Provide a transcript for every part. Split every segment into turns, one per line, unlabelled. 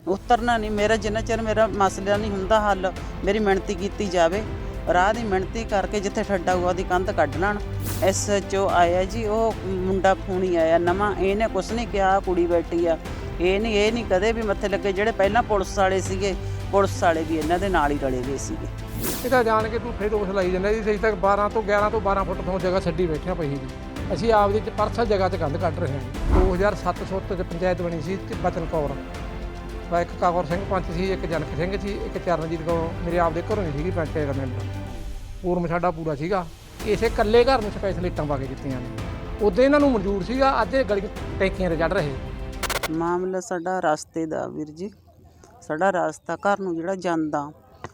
ਉਤਰਨਾ ਨਹੀਂ ਮੇਰਾ, ਜਿੰਨਾ ਚਿਰ ਮੇਰਾ ਮਸਲਾ ਨਹੀਂ ਹੁੰਦਾ ਹੱਲ, ਮੇਰੀ ਮਿਹਨਤੀ ਕੀਤੀ ਜਾਵੇ। ਰਾਹ ਦੀ ਮਿਹਨਤੀ ਕਰਕੇ ਜਿੱਥੇ ਠੱਡਾ ਹੋਊਗਾ ਉਹਦੀ ਕੰਧ ਕੱਢ ਲੈਣ। SHO ਆਇਆ ਜੀ, ਉਹ ਮੁੰਡਾ ਫੋਨੀ ਆਇਆ ਨਵਾਂ, ਇਹਨੇ ਕੁਛ ਨਹੀਂ ਕਿਹਾ, ਕੁੜੀ ਬੈਠੀ ਆ। ਇਹ ਨਹੀਂ ਕਦੇ ਵੀ ਮੱਥੇ ਲੱਗੇ। ਜਿਹੜੇ ਪਹਿਲਾਂ ਪੁਲਿਸ ਵਾਲੇ ਸੀਗੇ, ਪੁਲਿਸ ਵਾਲੇ ਵੀ ਇਹਨਾਂ ਦੇ ਨਾਲ ਹੀ ਰਲੇ ਹੋਏ ਸੀਗੇ।
ਇਹ ਤਾਂ ਜਾਣ ਕੇ ਝੂਠੇ ਦੋਸ਼ ਲਾਈ ਜਾਂਦਾ ਜੀ। ਅਸੀਂ ਤਾਂ 11 ਤੋਂ 12 ਫੁੱਟ ਤੋਂ ਜਗ੍ਹਾ ਛੱਡੀ ਬੈਠੇ ਪਈ ਜੀ। ਅਸੀਂ ਆਪਦੀ ਪਰਸਲ ਜਗ੍ਹਾ 'ਚ ਕੰਧ ਕੱਢ ਰਹੇ ਹਾਂ। 2007 'ਚ ਪੰਚਾਇਤ ਬਣੀ ਸੀ ਬਚਨ ਕੌਰ, ਇੱਕ ਕਾਕੌਰ ਸਿੰਘ ਪੰਚ ਸੀ, ਇੱਕ ਜਨਕ ਸਿੰਘ ਸੀ, ਇੱਕ ਚਰਨਜੀਤ ਕੌਰ ਮੇਰੇ ਆਪਦੇ ਘਰੋਂ ਹੀ ਸੀਗੀ ਪੰਚਾਇਤ ਦਾ ਮੈਂਬਰ। ਪੂਰਮ ਸਾਡਾ ਪੂਰਾ ਸੀਗਾ। ਇਸੇ ਇਕੱਲੇ ਘਰ ਨੂੰ ਸਪੈਸ਼ਲ ਇੱਟਾਂ ਪਾ ਕੇ ਦਿੱਤੀਆਂ ਨੇ। ਉਦੋਂ ਇਹਨਾਂ ਨੂੰ ਮਨਜ਼ੂਰ ਸੀਗਾ, ਅੱਜ ਇਹ ਗਲੀ ਟੈਂਕੀਆਂ 'ਤੇ ਚੜ੍ਹ ਰਹੇ।
ਮਾਮਲਾ ਸਾਡਾ ਰਸਤੇ ਦਾ ਵੀਰ ਜੀ। ਸਾਡਾ ਰਸਤਾ ਘਰ ਨੂੰ ਜਿਹੜਾ ਜਾਂਦਾ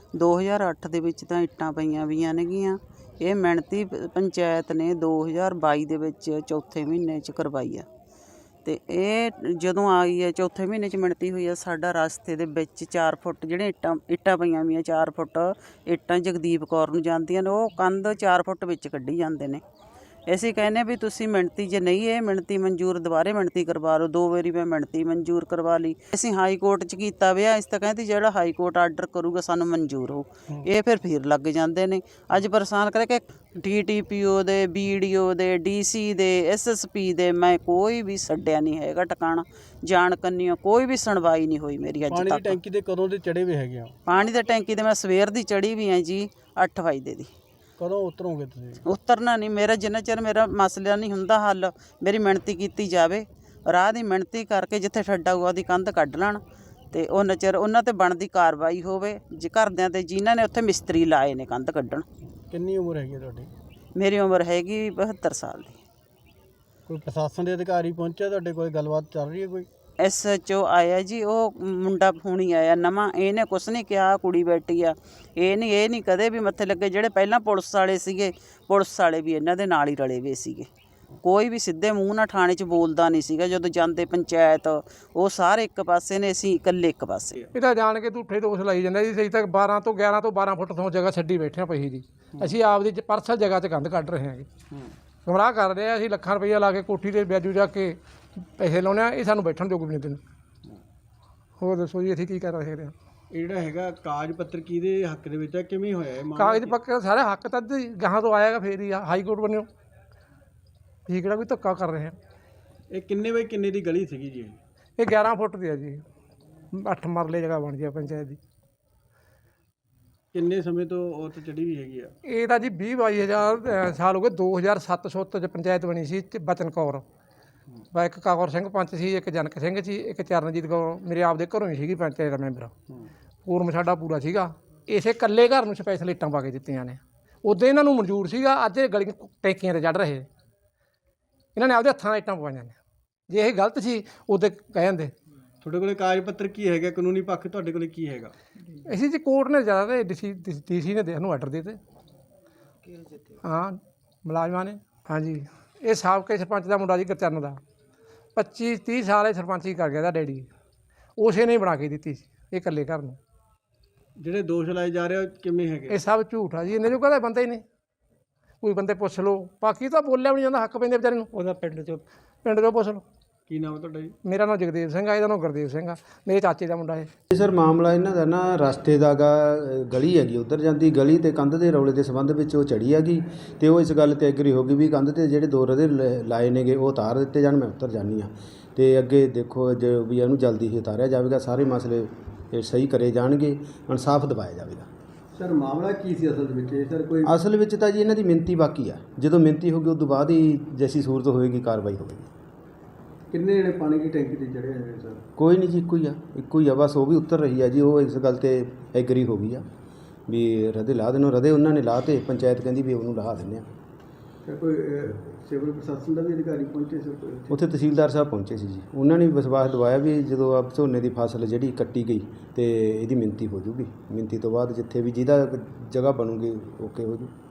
2008 ਦੇ ਵਿੱਚ ਤਾਂ ਇੱਟਾਂ ਪਈਆਂ ਵੀਆਂ ਨੇਗੀਆਂ। ਇਹ ਮਿਹਨਤੀ ਪੰਚਾਇਤ ਨੇ 2022 ਦੇ ਵਿੱਚ ਚੌਥੇ ਮਹੀਨੇ 'ਚ ਕਰਵਾਈ ਆ। ਅਤੇ ਇਹ ਜਦੋਂ ਆਈ ਹੈ ਚੌਥੇ ਮਹੀਨੇ 'ਚ ਮਿਹਨਤੀ ਹੋਈ ਆ। ਸਾਡਾ ਰਸਤੇ ਦੇ ਵਿੱਚ 4 ਫੁੱਟ ਜਿਹੜੀਆਂ ਇੱਟਾਂ ਪਈਆਂ ਵੀਆਂ, 4 ਫੁੱਟ ਇੱਟਾਂ ਜਗਦੀਪ ਕੌਰ ਨੂੰ ਜਾਂਦੀਆਂ ਨੇ, ਉਹ ਕੰਧ 4 ਫੁੱਟ ਵਿੱਚ ਕੱਢੀ ਜਾਂਦੇ ਨੇ। ਅਸੀਂ ਕਹਿੰਦੇ ਵੀ ਤੁਸੀਂ ਮਿਹਨਤੀ, ਜੇ ਨਹੀਂ ਇਹ ਮਿਹਨਤੀ ਮਨਜ਼ੂਰ, ਦੁਬਾਰੇ ਮਿਹਨਤੀ ਕਰਵਾ ਲਓ। 2 ਵਾਰੀ ਮੈਂ ਮਿਹਨਤੀ ਮਨਜ਼ੂਰ ਕਰਵਾ ਲਈ। ਅਸੀਂ ਹਾਈ ਕੋਰਟ 'ਚ ਕੀਤਾ ਵਿਆ। ਅਸੀਂ ਤਾਂ ਕਹਿੰਦੇ ਜਿਹੜਾ ਹਾਈ ਕੋਰਟ ਆਰਡਰ ਕਰੂਗਾ ਸਾਨੂੰ ਮਨਜ਼ੂਰ ਹੋ। ਇਹ ਫਿਰ ਲੱਗ ਜਾਂਦੇ ਨੇ। ਅੱਜ ਪਰੇਸ਼ਾਨ ਕਰਕੇ DTPO ਦੇ, BDO ਦੇ, DC ਦੇ, SSP ਦੇ ਮੈਂ ਕੋਈ ਵੀ ਛੱਡਿਆ ਨਹੀਂ ਹੈਗਾ ਟਿਕਾਣਾ। ਜਾਣ ਕੰਨੀਓ ਕੋਈ ਵੀ ਸੁਣਵਾਈ ਨਹੀਂ ਹੋਈ ਮੇਰੀ ਅੱਜ ਤੱਕ।
ਪਾਣੀ ਦੀ ਟੈਂਕੀ ਦੇ ਕਦੋਂ ਦੇ ਚੜੇ ਹੋਏ ਹੈਗੇ ਆ?
ਪਾਣੀ ਦੀ ਟੈਂਕੀ 'ਤੇ ਮੈਂ ਸਵੇਰ ਦੀ ਚੜ੍ਹੀ ਵੀ ਹਾਂ ਜੀ, 8 ਵਜੇ ਦੀ।
ਕਦੋਂ ਉਤਰੋਗੇ ਤੁਸੀਂ?
ਉਤਰਨਾ ਨਹੀਂ ਮੇਰਾ, ਜਿੰਨਾ ਚਿਰ ਮੇਰਾ ਮਸਲਾ ਨਹੀਂ ਹੁੰਦਾ ਹੱਲ, ਮੇਰੀ ਮਿਹਨਤੀ ਕੀਤੀ ਜਾਵੇ। ਰਾਹ ਦੀ ਮਿਹਨਤੀ ਕਰਕੇ ਜਿੱਥੇ ਠੱਡਾ ਹੋਊਗਾ ਉਹਦੀ ਕੰਧ ਕੱਢ ਲੈਣ, ਅਤੇ ਉਹਨਾਂ ਚਿਰ ਉਹਨਾਂ 'ਤੇ ਬਣਦੀ ਕਾਰਵਾਈ ਹੋਵੇ। ਜੇ ਘਰਦਿਆਂ 'ਤੇ ਜਿਨ੍ਹਾਂ ਨੇ ਉੱਥੇ ਮਿਸਤਰੀ ਲਾਏ ਨੇ ਕੰਧ ਕੱਢਣ।
ਕਿੰਨੀ ਉਮਰ ਹੈਗੀ ਤੁਹਾਡੀ?
ਮੇਰੀ ਉਮਰ ਹੈਗੀ 72 ਸਾਲ ਦੀ।
ਕੋਈ ਪ੍ਰਸ਼ਾਸਨ ਦੇ ਅਧਿਕਾਰੀ ਪਹੁੰਚਿਆ ਤੁਹਾਡੇ ਕੋਲ? ਗੱਲਬਾਤ ਚੱਲ ਰਹੀ ਹੈ ਕੋਈ?
SHO ਆਇਆ ਜੀ, ਉਹ ਮੁੰਡਾ ਫੋਨੀ ਆਇਆ ਨਵਾਂ, ਇਹਨੇ ਕੁਛ ਨਹੀਂ ਕਿਹਾ, ਕੁੜੀ ਬੈਠੀ ਆ। ਇਹ ਨਹੀਂ ਕਦੇ ਵੀ ਮੱਥੇ ਲੱਗੇ। ਜਿਹੜੇ ਪਹਿਲਾਂ ਪੁਲਿਸ ਵਾਲੇ ਸੀਗੇ, ਪੁਲਿਸ ਵਾਲੇ ਵੀ ਇਹਨਾਂ ਦੇ ਨਾਲ ਹੀ ਰਲੇ ਹੋਏ ਸੀਗੇ। ਕੋਈ ਵੀ ਸਿੱਧੇ ਮੂੰਹ ਨਾਲ ਥਾਣੇ 'ਚ ਬੋਲਦਾ ਨਹੀਂ ਸੀਗਾ। ਜਦੋਂ ਜਾਂਦੇ ਪੰਚਾਇਤ, ਉਹ ਸਾਰੇ ਇੱਕ ਪਾਸੇ ਨੇ, ਅਸੀਂ ਇਕੱਲੇ ਇੱਕ ਪਾਸੇ।
ਇਹ ਤਾਂ ਜਾਣ ਕੇ ਝੂਠੇ ਦੋਸ਼ ਲਾਈ ਜਾਂਦਾ ਜੀ। ਅਸੀਂ ਤਾਂ 11 ਤੋਂ 12 ਫੁੱਟ ਤੋਂ ਜਗ੍ਹਾ ਛੱਡੀ ਬੈਠੇ ਪਈ ਜੀ। ਅਸੀਂ ਆਪਦੀ ਪਰਸਲ ਜਗ੍ਹਾ 'ਚ ਕੰਧ ਕੱਢ ਰਹੇ ਹਾਂਗੇ। ਗੁੰਮਰਾਹ ਕਰ ਰਹੇ ਆ। ਅਸੀਂ ਲੱਖਾਂ ਰੁਪਈਆ ਲਾ ਕੇ ਕੋਠੀ ਦੇ ਵਿਆਜੂ ਜਾ ਕੇ ਪੈਸੇ ਲਾਉਂਦੇ ਹਾਂ। ਇਹ ਸਾਨੂੰ ਬੈਠਣ ਯੋਗ ਵੀ ਨਹੀਂ ਦਿੰਦੇ। ਹੋਰ ਦੱਸੋ ਜੀ, ਅਸੀਂ ਕੀ ਕਰ ਸਕਦੇ ਹਾਂ?
ਇਹ ਜਿਹੜਾ ਹੈਗਾ ਕਾਗਜ਼ ਪੱਤਰ ਕਿਹਦੇ ਹੱਕ ਦੇ ਵਿੱਚ ਹੈ, ਕਿਵੇਂ ਹੋਇਆ ਇਹ ਮਾਮਲਾ?
ਕਾਗਜ਼ ਪੱਕੇ ਸਾਰੇ ਹੱਕ ਤਾਂ ਗਾਹਾਂ ਤੋਂ ਆਏਗਾ ਫੇਰ ਹੀ ਆ। ਹਾਈ ਕੋਰਟ ਬਣਿਓ। ਅਸੀਂ ਕਿਹੜਾ ਕੋਈ ਧੱਕਾ ਕਰ ਰਹੇ ਹਾਂ?
ਇਹ ਕਿੰਨੇ ਬਾਈ ਕਿੰਨੇ ਦੀ ਗਲੀ ਸੀਗੀ ਜੀ?
ਇਹ 11 ਫੁੱਟ ਦੀ ਆ ਜੀ। 8 ਮਰਲੇ ਜਗ੍ਹਾ ਬਣ ਜਾਏ ਪੰਚਾਇਤ ਦੀ।
ਕਿੰਨੇ ਸਮੇਂ ਤੋਂ ਉਹ ਤੇ ਚੜੀ ਵੀ ਹੈਗੀ ਆ?
ਇਹ ਤਾਂ ਜੀ 20-22 ਸਾਲ ਹੋ ਗਏ। 2007 'ਚ ਪੰਚਾਇਤ ਬਣੀ ਸੀ ਬਚਨ ਕੌਰ, ਇੱਕ ਕਾਕੌਰ ਸਿੰਘ ਪੰਚ ਸੀ, ਇੱਕ ਜਨਕ ਸਿੰਘ ਸੀ, ਇੱਕ ਚਰਨਜੀਤ ਕੌਰ ਮੇਰੇ ਆਪਦੇ ਘਰੋਂ ਹੀ ਸੀਗੀ ਪੰਚਾਇਤ ਦਾ ਮੈਂਬਰ। ਪੂਰਮ ਸਾਡਾ ਪੂਰਾ ਸੀਗਾ। ਇਸੇ ਇਕੱਲੇ ਘਰ ਨੂੰ ਸਪੈਸ਼ਲ ਇੱਟਾਂ ਪਾ ਕੇ ਦਿੱਤੀਆਂ ਨੇ। ਉਦੋਂ ਇਹਨਾਂ ਨੂੰ ਮਨਜ਼ੂਰ ਸੀਗਾ, ਅੱਜ ਇਹ ਗਲੀ ਟੈਂਕੀਆਂ 'ਤੇ ਚੜ੍ਹ ਰਹੇ। ਇਹਨਾਂ ਨੇ ਆਪਦੇ ਹੱਥਾਂ ਨਾਲ ਇੱਟਾਂ ਪਵਾਈਆਂ ਨੇ। ਜੇ ਇਹ ਗਲਤ ਸੀ ਉਦੋਂ ਕਹਿ ਜਾਂਦੇ।
ਤੁਹਾਡੇ ਕੋਲ ਕਾਗਜ਼ ਪੱਤਰ ਕੀ ਹੈਗਾ? ਕਾਨੂੰਨੀ ਪੱਖ ਤੁਹਾਡੇ ਕੋਲ ਕੀ ਹੈਗਾ?
ਅਸੀਂ ਜੀ ਕੋਰਟ ਨੇ ਜ਼ਿਆਦਾ ਤੇ DC ਨੇ ਸਾਨੂੰ ਆਰਡਰ ਦੇ ਦਿੱਤੇ। ਹਾਂ, ਮੁਲਾਜ਼ਮਾਂ ਨੇ। ਹਾਂਜੀ, ਇਹ ਸਾਬਕਾ ਸਰਪੰਚ ਦਾ ਮੁੰਡਾ ਜੀ, ਗੁਰਚਰਨ ਦਾ। 25-30 ਸਾਲ ਇਹ ਸਰਪੰਚੀ ਕਰ ਗਿਆ ਦਾ ਡੈਡੀ। ਉਸੇ ਨੇ ਹੀ ਬਣਾ ਕੇ ਦਿੱਤੀ ਸੀ ਇਹ ਇਕੱਲੇ ਘਰ ਨੂੰ।
ਜਿਹੜੇ ਦੋਸ਼ ਲਾਏ ਜਾ ਰਹੇ ਕਿਵੇਂ ਹੈਗੇ?
ਇਹ ਸਭ ਝੂਠ ਆ ਜੀ। ਇਹਨੇ ਜੋ ਕਹਿੰਦਾ ਬੰਦੇ ਹੀ ਨੇ। ਕੋਈ ਬੰਦੇ ਪੁੱਛ ਲਓ, ਬਾਕੀ ਤਾਂ ਬੋਲਿਆ ਵੀ ਨਹੀਂ ਜਾਂਦਾ। ਹੱਕ ਪੈਂਦੇ ਵਿਚਾਰੇ ਨੂੰ। ਉਹਦਾ ਪਿੰਡ 'ਚੋਂ ਪੁੱਛ ਲਓ।
ਕੀ ਨਾਮ ਤੁਹਾਡਾ ਜੀ?
ਮੇਰਾ ਨਾਮ ਜਗਦੇਵ ਸਿੰਘ ਆ, ਇਹਦਾ ਨਾਮ ਗੁਰਦੇਵ ਸਿੰਘ ਆ, ਮੇਰੇ ਚਾਚੇ ਦਾ ਮੁੰਡਾ ਇਹ।
ਸਰ ਮਾਮਲਾ ਇਹਨਾਂ ਦਾ ਨਾ ਰਸਤੇ ਦਾ ਗਾ, ਗਲੀ ਹੈਗੀ ਉੱਧਰ ਜਾਂਦੀ ਗਲੀ, ਤੇ ਕੰਧ ਦੇ ਰੌਲੇ ਦੇ ਸੰਬੰਧ ਵਿੱਚ ਉਹ ਚੜੀ ਹੈਗੀ। ਤੇ ਉਹ ਇਸ ਗੱਲ ਤੇ ਐਗਰੀ ਹੋ ਗਈ ਵੀ ਕੰਧ ਤੇ ਜਿਹੜੇ 2 ਰਦੇ ਲਾਏ ਨੇਗੇ ਉਹ ਉਤਾਰ ਦਿੱਤੇ ਜਾਣ, ਮੈਂ ਉੱਤਰ ਜਾਂਦੀ ਹਾਂ। ਤੇ ਅੱਗੇ ਦੇਖੋ ਜੋ ਵੀ ਇਹਨੂੰ ਜਲਦੀ ਹੀ ਉਤਾਰਿਆ ਜਾਵੇਗਾ। ਸਾਰੇ ਮਸਲੇ ਸਹੀ ਕਰੇ ਜਾਣਗੇ, ਇਨਸਾਫ ਦਿਵਾਇਆ ਜਾਵੇਗਾ।
ਸਰ ਮਾਮਲਾ ਕੀ ਸੀ ਅਸਲ ਵਿੱਚ? ਸਰ ਕੋਈ
ਅਸਲ ਵਿੱਚ ਤਾਂ ਜੀ ਇਹਨਾਂ ਦੀ ਮਿਹਨਤੀ ਬਾਕੀ ਆ। ਜਦੋਂ ਮਿਹਨਤੀ ਹੋਊਗੀ ਉਸ ਤੋਂ ਬਾਅਦ ਹੀ ਜੈਸੀ ਸੂਰਤ ਹੋਏਗੀ ਕਾਰਵਾਈ ਹੋਵੇਗੀ।
ਕਿੰਨੇ ਜਿਹੜੇ ਪਾਣੀ ਦੀ ਟੈਂਕੀ ਤੇ ਚੜੇ ਹੋਏ ਸਰ?
ਕੋਈ ਨਹੀਂ ਜੀ, ਇੱਕੋ ਹੀ ਆ ਬਸ। ਉਹ ਵੀ ਉਤਰ ਰਹੀ ਆ ਜੀ। ਉਹ ਇਸ ਗੱਲ ਤੇ ਐਗਰੀ ਹੋ ਗਈ ਆ ਵੀ ਰਦੇ ਲਾ ਦੇਣੋ। ਰਦੇ ਉਹਨਾਂ ਨੇ ਲਾ ਤੇ ਪੰਚਾਇਤ ਕਹਿੰਦੀ ਵੀ ਉਹਨੂੰ ਲਾ ਦਿੰਦੇ ਆ।
ਕੋਈ ਸਿਵਲ ਪ੍ਰਸ਼ਾਸਨ ਦਾ ਵੀ ਅਧਿਕਾਰੀ ਪਹੁੰਚੇ ਸਰ?
ਉੱਥੇ ਤਹਿਸੀਲਦਾਰ ਸਾਹਿਬ ਪਹੁੰਚੇ ਸੀ ਜੀ। ਉਹਨਾਂ ਨੇ ਵਿਸ਼ਵਾਸ ਦਿਵਾਇਆ ਵੀ ਜਦੋਂ ਆਪ ਝੋਨੇ ਦੀ ਫਸਲ ਜਿਹੜੀ ਕੱਟੀ ਗਈ ਤੇ ਇਹਦੀ ਮਿਣਤੀ ਹੋ ਜੂਗੀ। ਮਿਣਤੀ ਤੋਂ ਬਾਅਦ ਜਿੱਥੇ ਵੀ ਜਿਹਦਾ ਜਗ੍ਹਾ ਬਣੂਗੀ ਓਕੇ ਹੋ ਜੂ।